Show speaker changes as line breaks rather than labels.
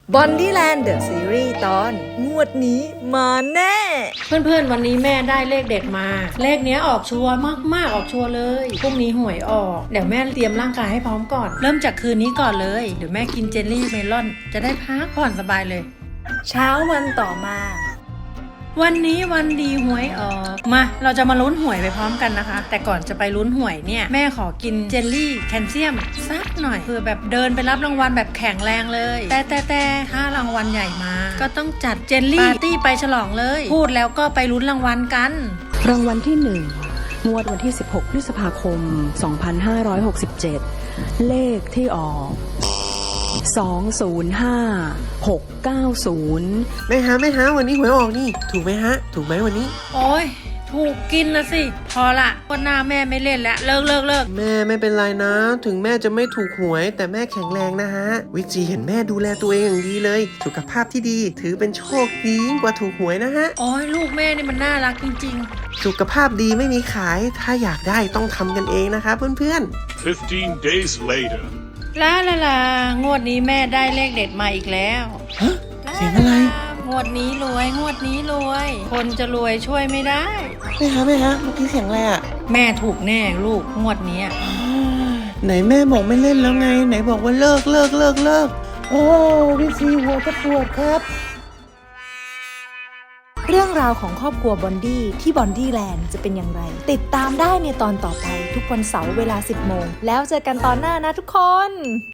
บอนดี้แลนด์เดอะซีรีส์ตอนงวดนี้มาแน่
เพื่อนๆวันนี้แม่ได้เลขเด็ดมาเลขเนี้ยออกชัวร์มากๆออกชัวร์เลยพรุ่งนี้หวยออกเดี๋ยวแม่เตรียมร่างกายให้พร้อมก่อนเริ่มจากคืนนี้ก่อนเลยเดี๋ยวแม่กินเจลลี่เมลอนจะได้พักผ่อนสบายเลย
เช้าวันต่อมา
วันนี้วันดีหวยออกมาเราจะมาลุ้นหวยไปพร้อมกันนะคะแต่ก่อนจะไปลุ้นหวยเนี่ยแม่ขอกินเจลลี่แคลเซียมสักหน่อยเพื่อแบบเดินไปรับรางวัลแบบแข็งแรงเลยแต่ถ้ารางวัลใหญ่มาก็ต้องจัดเจลลี่ปาร์ตี้ไปฉลองเลยพูดแล้วก็ไปลุ้นรางวัลกัน
รางวัลที่1งวดวันที่16พฤษภาคม2567เลขที่ออก205690
แม่ฮะวันนี้หวยออกนี่ถูกไหมฮะถูกไหมวันนี้
โอ้ยถูกกินนะสิพอละวันหน้าแม่ไม่เล่นแล้วเลิก
แม่ไม่เป็นไรนะถึงแม่จะไม่ถูกหวยแต่แม่แข็งแรงนะฮะวิจีเห็นแม่ดูแลตัวเองอย่างดีเลยสุขภาพที่ดีถือเป็นโชคดียิ่งกว่าถูกหวยนะฮะ
โอ้ยลูกแม่นี่มันน่ารักจริง
ๆสุขภาพดีไม่มีขายถ้าอยากได้ต้องทำกันเองนะคะเพื่อน
ๆ15 days later
ลางวดนี้แม่ได้เลขเด็ดมาอีกแล้ว
ฮะเสียงอะไร
งวดนี้รวยคนจะรวยช่วยไม่ได้
แม่ฮะเมื่อกี้เสียงอะไรอ่ะ
แม่ถูกแน่ลูกงวดนี้
ไหนแม่บอกไม่เล่นแล้วไงไหนบอกว่าเลิกโอ้วิจีหัวจะปวดครับ
เรื่องราวของครอบครัวบอนดี้ที่บอนดี้แลนด์จะเป็นอย่างไรติดตามได้ในตอนต่อไปทุกวันเสาร์เวลา 10 โมงแล้วเจอกันตอนหน้านะทุกคน